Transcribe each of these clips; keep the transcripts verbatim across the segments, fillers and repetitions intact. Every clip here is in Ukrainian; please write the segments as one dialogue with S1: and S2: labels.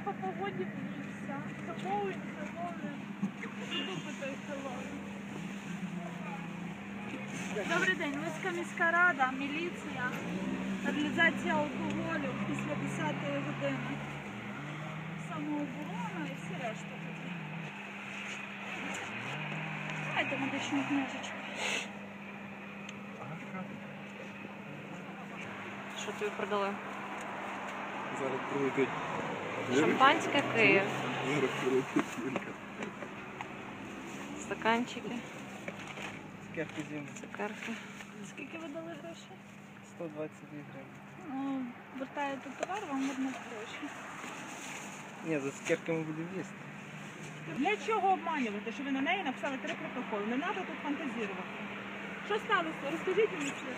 S1: по погоді боїшся. Хеллоуін, Хеллоуін. Любите Хеллоуін. Добрий день, Луцька міська рада, міліція, реалізація алкоголю після десятої години. Самооборона і всі решта тоді. Дайте медичну книжечку.
S2: Що тобі продали?
S3: Зараз прилетить.
S2: Шампанське Київ.
S3: Зараз прилетить Юлька.
S2: Стаканчики.
S4: Цукерки зимні.
S2: Цукерки.
S1: Скільки ви дали грошей?
S4: сто двадцять дві гривні.
S1: Ну, вертаєте товар, вам вернуть гроші.
S4: Ні, за цукерками будемо їсти.
S5: Для чого обманювати, що ви на неї написали три протоколи? Не треба тут фантазірувати. Що сталося? Розкажіть мені все.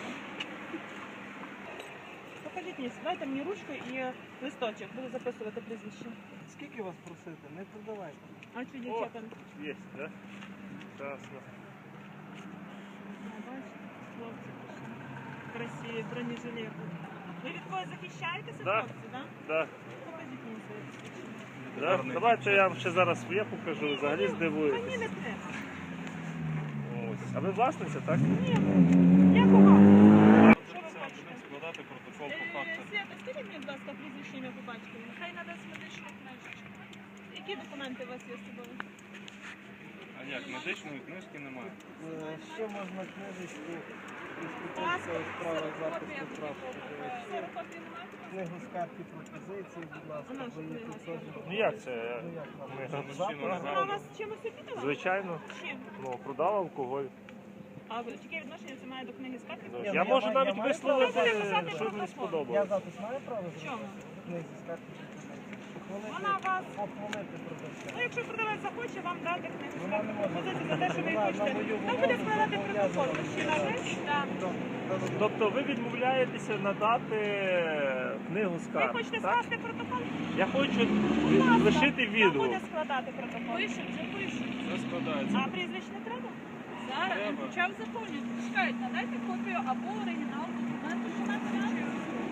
S5: Покажіть мені, дайте мені ручку і листочок, буду записувати прізвище.
S4: Скільки вас просити? Не продавайте.
S5: А що дівчата?
S6: Є, так? Красно.
S5: Бачите, хлопці пішли. Красиві, бронежилети. Ви від когось захищаєтеся,
S6: Да.
S5: хлопці, так?
S6: Да.
S5: Покажіть мені своє посвідчення.
S6: Да? Давайте я вам ще зараз своє покажу, взагалі
S5: Мені
S6: здивуєтесь.
S5: не треба.
S6: Ось. А ви власниця, так?
S5: Ні, я кого? Що ви хочете?
S6: Складати протокол по
S5: Е,
S6: факту.
S5: Свята, скажіть мені, будь ласка, прізвище ім'я по батькові.
S1: Хай надасть медичну книжечку.
S5: Які документи у вас є з собою?
S6: А як, медичної книжки немає?
S4: Е, Ще можна книжечку
S5: Паспорт,
S4: справи
S1: Ксерокопія
S4: захисту прав.
S1: будь-якого.
S5: Ксерокопії немає?
S4: Книгу скарги пропозиції, будь ласка,
S5: Вона ж
S4: бо є
S5: книга
S4: тут теж.
S6: Ну як це?
S4: Ну як нам?
S6: Ми
S4: Запах?
S5: Вона вас чимось обідала?
S6: Звичайно,
S5: Чим?
S6: ну, продав алкоголь.
S5: А ви- яке відношення це має до книги скарги?
S6: Ну,
S4: Ні,
S6: я
S4: ну, я
S6: можу
S4: маю-
S6: навіть
S4: я маю
S6: висловити,
S5: право написати
S6: що мені
S5: протокол.
S4: Я
S6: сподобалось.
S4: запис маю право зробити?
S5: Чому?
S4: Книзі скарги пропозиції. Похвалити,
S5: Вона вас...
S4: похвалити продавця.
S5: Ну, якщо продавець захоче, вам дати книгу
S4: Вона
S5: скарги
S4: не може.
S5: пропозицію за те, що ви
S4: Вона
S5: хочете.
S4: на мою
S5: Там буде
S4: вимогу
S5: складати
S4: зобов'язана.
S5: протокол. Мужчина, ви? Так.
S6: Тобто ви відмовляєтеся надати книгу
S5: Ви
S6: скарг,
S5: хочете
S6: так?
S5: скласти протокол?
S6: Я хочу
S5: Будь ласка,
S6: лишити
S5: хто
S6: відгук.
S5: буде складати протокол?
S1: Пишуть, вже пишуть.
S6: Це складається.
S5: А прізвищ не треба?
S1: Зараз
S6: Треба.
S1: він почав заповнювати. Чекають, надайте копію або оригінал документу, що навчає.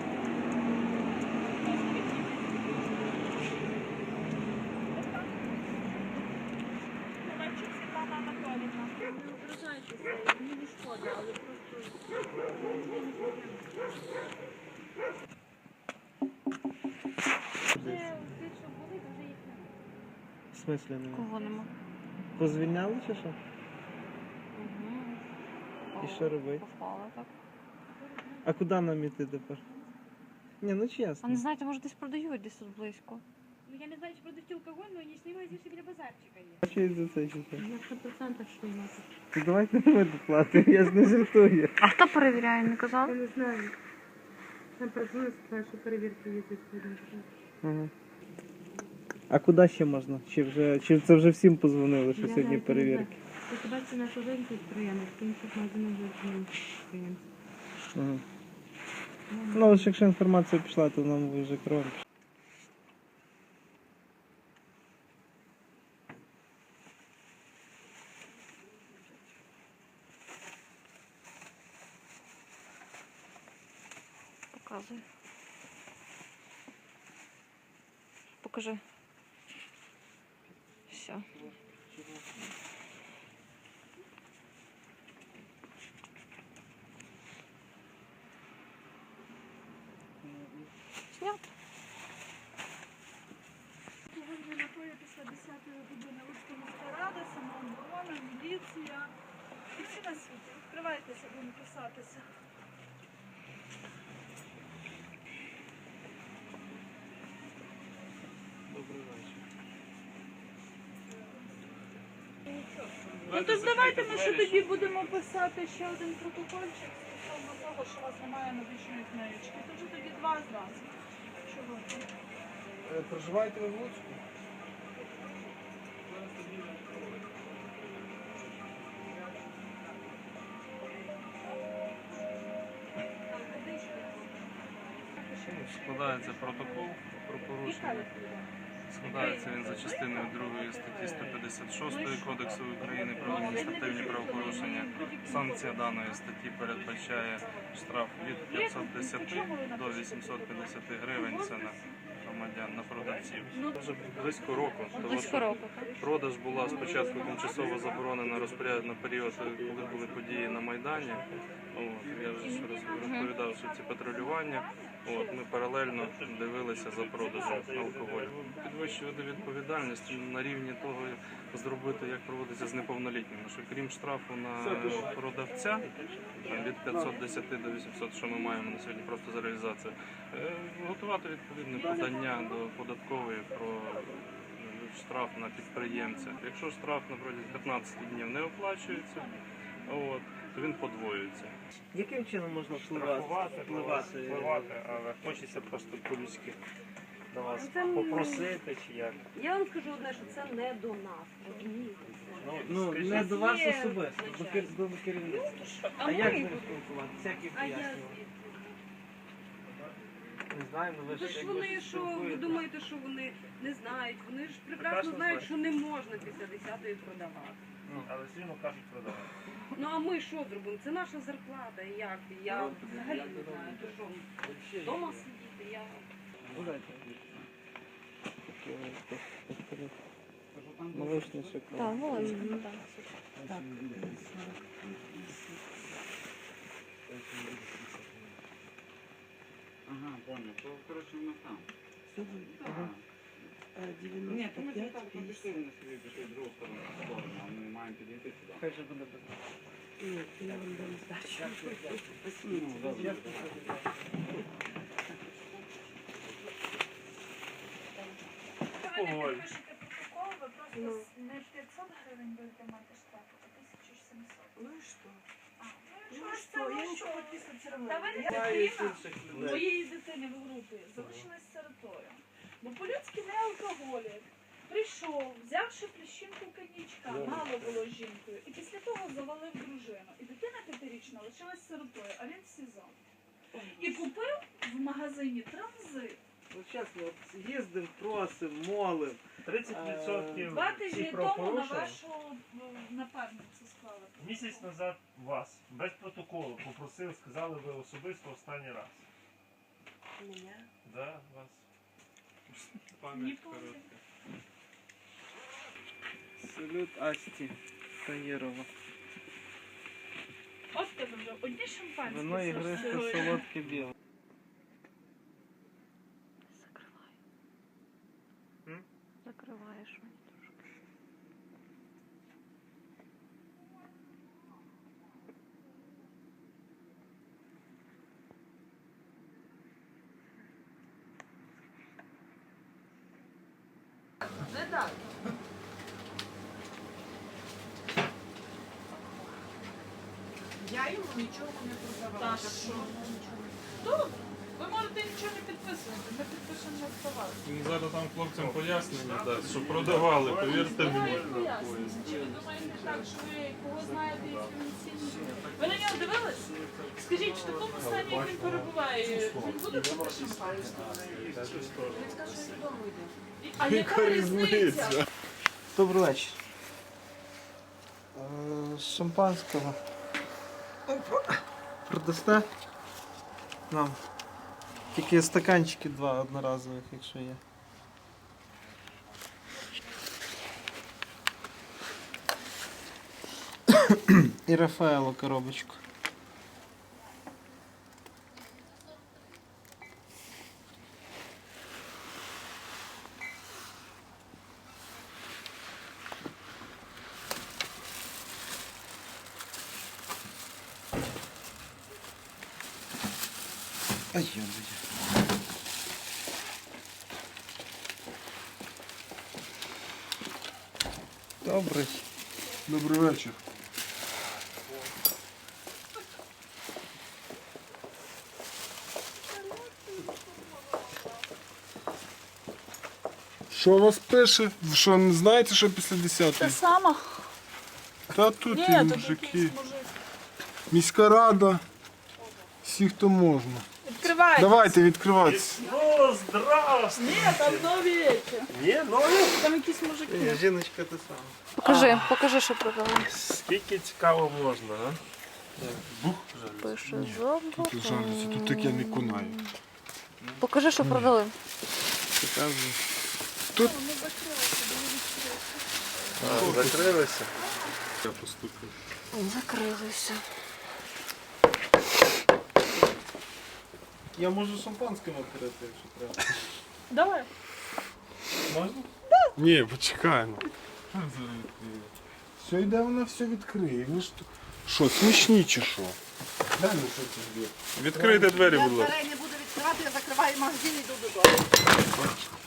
S5: Ковальчук Світлана Анатоліївна.
S1: Не ображайтеся, мені не шкода, але просто... Це ті, що були, вже їх немає.
S4: В смислі немає?
S2: Кого нема?
S4: Позвільняли чи що?
S2: Угу.
S4: І що робити?
S2: Попала так.
S4: А куди нам іти тепер? Ні, ну
S2: А
S4: чесно.
S2: не знаєте, може десь продають десь тут близько.
S7: Ну, я не знаю, чи продають алкоголь, но не снимаю здесь біля базарчика є.
S4: А що я за це читаю?
S7: На сто процентів що нема.
S4: То давайте ми доплатимо, я ж не жартую.
S2: А хто перевіряє, не
S7: Я
S2: казав?
S7: не знаю. Там працює, сказали, що перевірки є тут.
S4: Ага. А куди ще можна? Чи вже чи це вже всім позвонили, що
S7: Я
S4: сьогодні
S7: навіть не
S4: перевірки?
S7: знаю. Хіба це наш один підприємець, в інших магазинах вже не підприємці.
S4: Ага. Ну, ось якщо інформація пішла, то нам вже кров.
S2: Показує. Покажи. Все. Снято.
S1: Сьогодні напої після десятої години Луцька міська рада, самооборона, міліція. І всі на світі. Відкривайтеся, будемо писатися.
S6: Добрий вечір.
S1: Ну то ж давайте ми ще тоді будемо писати ще один протокольчик стосовно того, що у вас немає медичної книжечки. То вже тоді два зразу. Чого?
S4: Проживаєте ви в Луцьку?
S8: Складається протокол про порушення. Складається він за частиною другої статті сто п'ятдесят шість Кодексу України про адміністративні правопорушення. Санкція даної статті передбачає штраф від п'ятсот десяти до вісімсот п'ятдесят гривень. Це на там, громадян на продавців. Вже близько року. Тому
S2: Близько
S8: що
S2: року, так?
S8: Продаж була спочатку тимчасово заборонена розпоряд на період, коли були події на Майдані. От, я вже ж роз- розповідав, що ці патрулювання. От, ми паралельно дивилися за продажем алкоголю. Підвищувати відповідальність на рівні того, зробити, як проводиться з неповнолітніми. Що крім штрафу на продавця там, від п'ятсот десять до вісімсот, що ми маємо на сьогодні просто за реалізацію, е, готувати відповідне подання до податкової про штраф на підприємця. Якщо штраф на протязі п'ятнадцяти днів не оплачується, от, то він подвоюється.
S4: Яким чином можна впливати? впливати?
S6: впливати, але хочеться просто по-людськи до вас
S7: Це,
S6: попросити чи як.
S7: Я вам скажу одне, що це не до нас. Розумієте?
S4: Ну,
S6: скажіть,
S4: не до вас
S7: Є,
S4: особисто, до, кер... до керівництва. А
S7: ми-
S4: як з ним спілкуватися? Як їх
S7: А я
S4: пояснювати? Не знаю, ну ви
S7: Ви
S4: ж
S7: ж
S4: якби
S7: вони, що ви
S4: спілкуєтесь.
S7: думаєте, що вони не знають? Вони ж прекрасно
S6: Прекрасно
S7: знають,
S6: знають.
S7: що не можна після десятої продавати.
S6: Але все одно кажуть продавати.
S7: Ну а ми що зробимо? Це наша зарплата. І як? Я взагалі не знаю, то що вдома сидіти, я.
S4: Ну, дайте. Таке, повторю. Молочний шоколад.
S2: Так, молодець. Так.
S9: Ага, понял. То, короче, у нас там. Ні, то ми ж там пішли, вони собі пішли в другу сторону, в сторону, а ми маємо підійти сюди.
S4: Хай же буде без.
S9: Ну, добре.
S1: Коли ви пишете протокол, ви просто не п'ятсот гривень будете мати штрафу, а тисячу сімсот.
S7: Ну і що?
S1: А,
S7: Ну
S1: ну
S7: і
S1: що,
S7: що?
S1: я
S7: Я
S1: нічого
S7: нічого
S1: підписатися
S7: не
S1: робила. Та ви не
S4: Знаю
S1: дитина
S4: інших людей.
S1: моєї дитини в групі залишилась сиротою. Бо по-людськи не алкоголік. Прийшов, взявши пліщинку коньячка, мало було з жінкою, і після того завалив дружину. І дитина п'ятирічна лишилась сиротою, а він в СІЗО. І купив в магазині транзит.
S4: Ну, чесно, от їздимо, просимо, молимо.
S6: тридцять відсотків
S1: Два тижні
S6: всіх
S1: тому на
S6: правопорушень.
S1: вашу е, напарницю склали.
S6: Місяць назад вас без протоколу попросили, сказали ви особисто останній раз.
S7: Мене?
S6: Да, вас.
S1: Ні,
S8: Пам'ять
S1: помню.
S8: коротка.
S4: Салют Асті Таєрова.
S1: От тебе вже одні шампанські.
S4: Вино
S1: все
S4: ігристе,
S1: сьогодні.
S4: солодке біле.
S2: Закривай.
S6: М?
S2: Закриваєш мені трошки.
S7: Не так. Я йому нічого не продавала.
S1: Та що? Добре. Ви можете нічого не підписувати, ми підпишемо на слова.
S8: Він зараз там хлопцям пояснення дасть, що продавали, повірте мені.
S1: Давай пояснення. Чи ви думаєте так, що ви кого знаєте і цінні? Ви на нього дивились? Скажіть, в такому стані, як він перебуває, він буде пити шампанське?
S7: Він сказав, що він додому йде.
S1: А яка різниця?
S4: Добрий вечір. Е, Шампанського. Продасте нам. Тільки стаканчики два одноразових, якщо є. І Рафаело коробочку. Ай, ё-моё. Добрий.
S3: Добрий вечір. Що у вас пише? Ви що, не знаєте, що після
S1: Те
S3: десятої?
S1: саме?
S3: Та тут
S1: Ні,
S3: і
S1: тут
S3: мужики.
S1: якийсь мужик.
S3: Міська рада. Всі, хто можна.
S1: Відкривайте.
S3: Давайте, відкривайте.
S6: Ну, здравствуй!
S1: Ні, там нові речі.
S6: Ні, ну,
S1: Там якісь мужики.
S4: Ні, жіночка те саме.
S2: Покажи, покажи, що продали.
S6: скільки цікаво можна, а? Бух, жаль.
S2: Пише зобу.
S3: Тут жалюзі, тут таке не кунає.
S2: Покажи, що продали.
S4: Показую.
S3: Тут
S1: Воно закрилося, було відкрито.
S8: А, закрилися?
S3: я постукав.
S2: Закрилися.
S4: Я можу шампанським відкрити, якщо треба.
S1: Давай.
S4: Можна?
S3: Ні, почекай. Ну. Що зараз відкриє? Все йде, вона все відкриє. Ви ж тут- Що, смішні чи що? Дай ну що це збір.
S8: Відкрийте двері,
S7: Я
S8: будь ласка.
S7: дверей не буду відкривати, я закриваю магазин і йду додому.